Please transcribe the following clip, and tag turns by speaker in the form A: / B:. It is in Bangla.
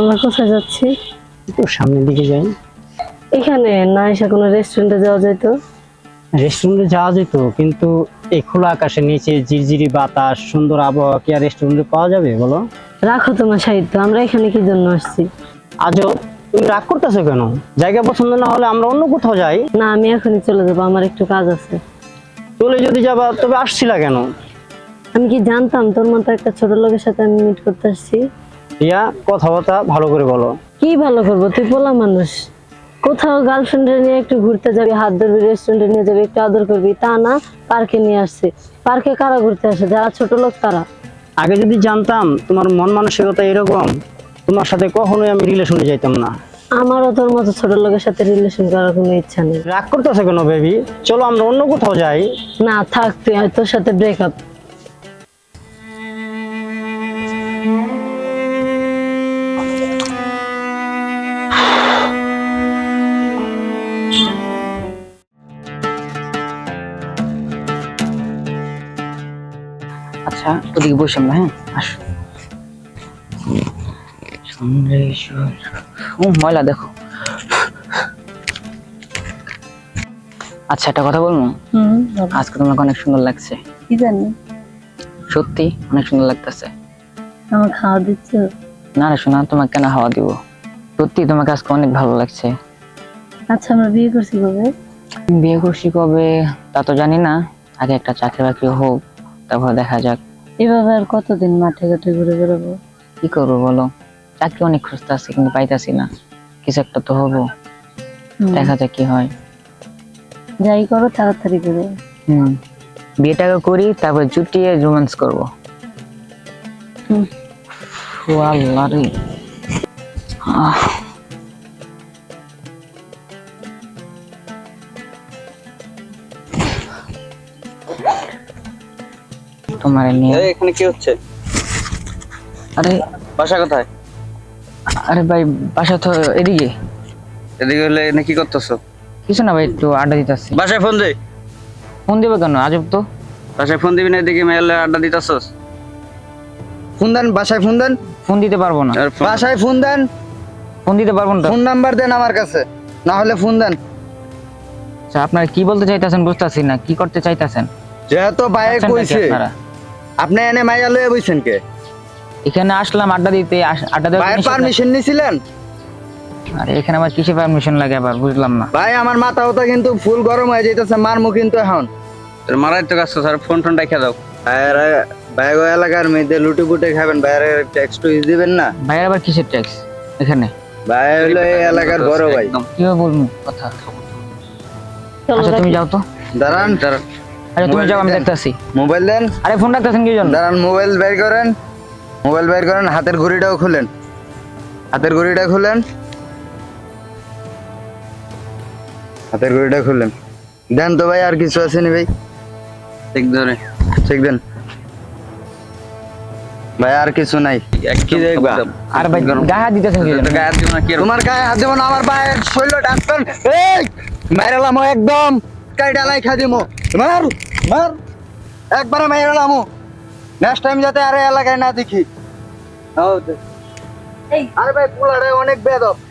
A: আমরা কোথায় যাচ্ছি?
B: একটু সামনের দিকে যাই।
A: এখানে না এসে কোনো রেস্টুরেন্টে যাওয়া যেত?
B: রেস্টুরেন্টে যাওয়া যেত, কিন্তু এই খোলা আকাশের নিচে ঝিরঝিরি বাতাস, সুন্দর আবহাওয়া কি আর রেস্টুরেন্টে পাওয়া যাবে বলো?
A: রাখো তোমার সাহিত্য, আমরা এখানে কি জন্য আসছি?
B: আজও তুমি রাগ করতেছো কেন? জায়গা পছন্দ না হলে আমরা অন্য কোথাও যাই।
A: না, আমি এখনই চলে যাবো, আমার একটু কাজ আছে।
B: চলে যদি যাবা তবে আসছিলা কেন?
A: আমি কি জানতাম তোর মতো একটা ছোট লোকের সাথে আমি মিট করতে আসছি?
B: ইয়া, কথাবার্তা ভালো করে বলো।
A: কি ভালো করবো, তুই পোলা মানুষ। কোথাও গার্লফ্রেন্ডে নিয়ে একটু ঘুরতে যাবি, হাত ধরবি, রেস্টুরেন্টে নিয়ে যাবি, একটু আদর করবি, তা না পার্কে নিয়ে আসছে। পার্কে কারা ঘুরতে আসে? যারা ছোট লোক তারা।
B: আগে যদি জানতাম তোমার মন মানসিকতা এরকম, তোমার সাথে কখনোই আমি রিলেশনে যাইতাম না।
A: আমারও তোর মতো ছোট লোকের সাথে রিলেশন করার কোনো ইচ্ছা নেই।
B: রাগ করতেছো কেন বেবি? চলো আমরা অন্য কোথাও যাই।
A: না থাক, তুই তোর সাথে ব্রেকআপ।
C: আচ্ছা, ওদিকে বসে না। হ্যাঁ, আসো। ময়লা দেখো। আচ্ছা, একটা কথা বলবো? আজকে তোমাকে অনেক সুন্দর লাগছে।
A: কি জানি,
C: সত্যি অনেক সুন্দর লাগতেছে।
A: আমার খাওয়া দিচ্ছ?
C: না রে শোনা, তোমাকে কেন হাওয়া দিব? সত্যি তোমাকে আজকে অনেক ভালো লাগছে।
A: আচ্ছা, আমরা বিয়ে করছি কবে?
C: বিয়ে করছি কবে তা তো জানি না, আগে একটা চাকরি বাকরি হোক, তারপর দেখা যাক।
A: এভাবে আর কতদিন মাঠে ঘাটে ঘুরে বেড়াবো?
C: কি করবো বলো, চাকরি অনেক খুঁজতে আছে কিন্তু পাইতাছি না। কিছু একটা তো হবো, দেখা যাক কি হয়।
A: যাই করো তাড়াতাড়ি করে।
C: বিয়েটাকে করি, তারপর জুটিয়ে রোম্যান্স করবো। ও আল্লাহ রে। তোমার নিয়ে
D: এখানে কি হচ্ছে?
C: আরে
D: বাসা কোথায়?
C: আরে ভাই, বাসা তো এদিকে।
D: এদিকে হলে এখানে কি করতেছো?
C: কিছু না ভাই, একটু আড্ডা দিতেছি।
D: বাসায় ফোন দে।
C: ফোন দেবে কেন? আজব তো।
D: বাসায় ফোন দিবি না, এদিকে মেয়েলে আড্ডা দিতেছস? ফোন দেন, বাসায় ফোন দেন।
C: ফোন দিতে পারবো না।
D: বাসায় ফোন দেন।
C: ফোন দিতে পারবো না।
D: ফোন নাম্বার দেন আমার কাছে, না হলে ফোন দেন।
C: আচ্ছা, আপনারা কি বলতে চাইতেছেন বুঝতেছি না, কি করতে চাইতেছেন?
D: যেহেতু বাইরে
C: চাচ্ছেনটা কি
D: কইছে,
C: আপনারা?
D: আপনি এনে মাইয়া লয়ে বইছেন কে?
C: এখানে আসলাম আড্ডা দিতে, আড্ডা দেওয়ার
D: ভাইয়ের
C: নিষেধ নাই।
D: পারমিশন নিছিলেন?
C: আরে এখানে আবার কিসে পারমিশন লাগে আবার, বুঝলাম না।
D: ভাই আমার মাথা ওটা কিন্তু ফুল গরম হয়ে যাইতেছে, মারমু কিন্তু এখন। তোর মারাই তো কাজ, স্যার ফোন টোন রেখে দাও। ভাইয়েরা ভাই ওই এলাকার মেয়েদের লুটে পুটে খাবেন, ভাইয়ের ট্যাক্স টুইস দিবেন না।
C: ভাইয়ের আবার কিসের ট্যাক্স এখানে?
D: ভাই হলো এই এলাকার বড় ভাই।
C: কিভাবে বলবো কথা?
A: চলো
C: আচ্ছা তুমি যাও তো।
D: দাঁড়ান দাঁড়ান,
C: আরে তুমি যাও, আমি দেখতেছি।
D: মোবাইল দেন।
C: আরে ফোন রাখতেছেন কি জন্য?
D: দাঁড়ান, মোবাইল বের করেন, মোবাইল বের করেন, হাতের ঘড়িটাও খুলেন, হাতের ঘড়িটা খুলেন, হাতের ঘড়িটা খুলেন। দেন তো ভাই, আর কিছু আছে নি ভাই? ঠিক ধরে, ঠিক দেন ভাই, আর কিছু নাই। কি দেখবা?
C: আর ভাই গায়ে হাত দিতেছেন কি জন্য?
D: গায়ে হাত দিব না কি? তোমার গায়ে হাত দেব না, আমার ভাইয়ের শৈল ডাক্তার। এই মাইরালাম একদম, কাইডা লাই খা দিমো। মার মার, একবারে মাইরালাম। নেক্সট টাইম যাতে আরে এলাকায় না দেখি। আরে ভাই পোলারে অনেক বেদব।